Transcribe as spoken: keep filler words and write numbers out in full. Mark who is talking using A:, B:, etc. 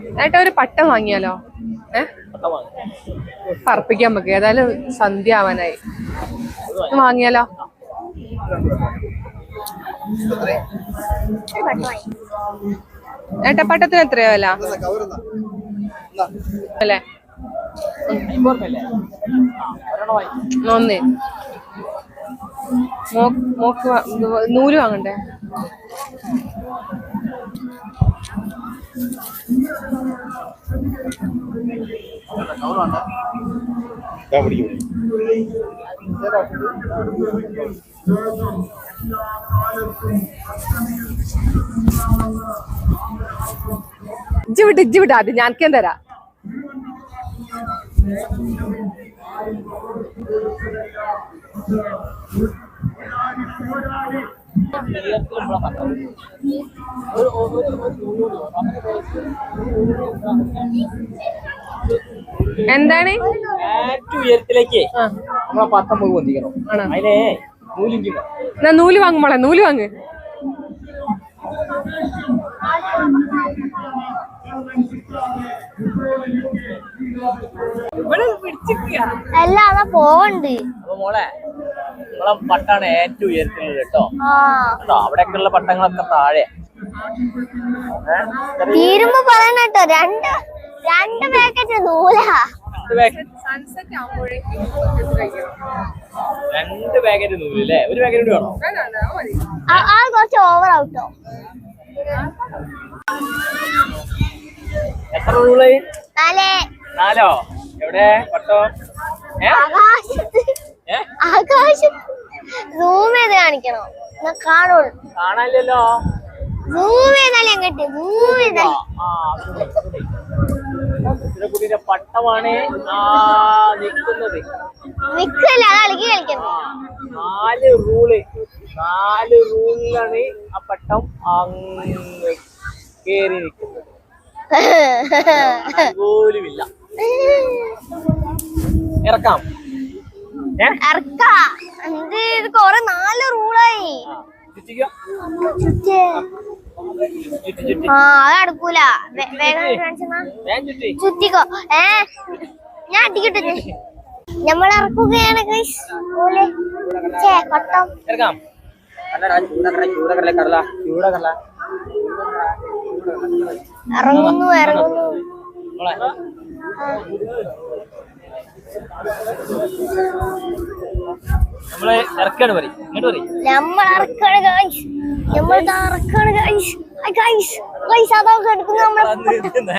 A: ഏട്ടാ ഒരു പട്ടം വാങ്ങിയാലോ? ഏഹ് പറപ്പിക്കാൻ നമുക്ക് ഏതായാലും സന്ധ്യ ആവാനായി. വാങ്ങിയാലോ? ഏട്ടപ്പട്ടത്തിന് എത്രയോ വില അല്ലേ? ഒന്നേ മോക്ക് നൂല് വാങ്ങണ്ടേ? ഇജ്ജ് വിട്ട് ഇജ്ജ് വിട്ട് ആദ്യം ഞാൻക്കേം തരാം. എന്താണ്
B: ഉയരത്തിലേക്ക് നമ്മളെ പത്തം പോയി പൊന്തിക്കണം. അതിനെ നൂലിഞ്ച്
A: നൂല് വാങ്ങുമ്പോളെ നൂല് വാങ്ങ്.
C: അല്ലാതെ പോവണ്ട്.
B: അപ്പൊ മോളെ നമ്മളെ പട്ടാണ് ഏറ്റവും ഉയരത്തിലുള്ളത് കേട്ടോ. കേട്ടോ അവിടെയൊക്കെയുള്ള പട്ടങ്ങളൊക്കെ താഴെ.
C: തീരുമ്പോ പറയണ കേട്ടോ. രണ്ട് രണ്ട് പാക്കറ്റ് നൂലാ.
B: രണ്ട് പാക്കറ്റ് നൂല് അല്ലേ? ഒരു പാക്കറ്റ് കൂടി വേണോ?
C: ആ കുറച്ച് ഓവർ ഔട്ടോ.
B: എത്ര നൂല്?
C: നാലേ
B: നാലോ? എവിടെ പട്ടോ?
C: ആകാശത്ത് ആകാശത്ത് സൂം ചെയ്ത് കാണിക്കണോ? കാണുള്ളൂ.
B: കാണാനില്ലല്ലോ.
C: സൂം ചെയ്താലേ അങ്ങോട്ട് സൂം ചെയ്താൽ
B: കുട്ടിയുടെ പട്ടമാണ് ആ നിൽക്കുന്നത്.
C: നിക്കല്ല അത് അളകി കളിക്കുന്നു.
B: നാല് റൂള് നാല് റൂളിലാണ് ആ പട്ടം അങ്ങ് കേറി നിൽക്കുന്നത്. പോലുമില്ല. ഇറക്കാം.
C: ഇറക്കാ എന്ത് ഇത് കൊറേ നാല് റൂളായി. ആ അത് നടക്കൂല. വേഗം ചുറ്റിക്കോ. ഏ ഞാൻ അടിക്കട്ടെ. നമ്മൾ ഇറക്കുകയാണ് കൊട്ടം.
B: ഇറക്കാം.
C: ഇറങ്ങുന്നു ഇറങ്ങുന്നു.
B: നമ്മള് ഇറക്കാണ് പറയും. ഇങ്ങോട്ട് പറയും.
C: നമ്മൾ ഇറക്കാണ് ഗൈസ്. നമ്മൾ ഇറക്കാണ് ഗൈസ്. ഗൈസ് ഗൈസ് അതൊക്കെ എടുക്കുന്നു നമ്മളെ.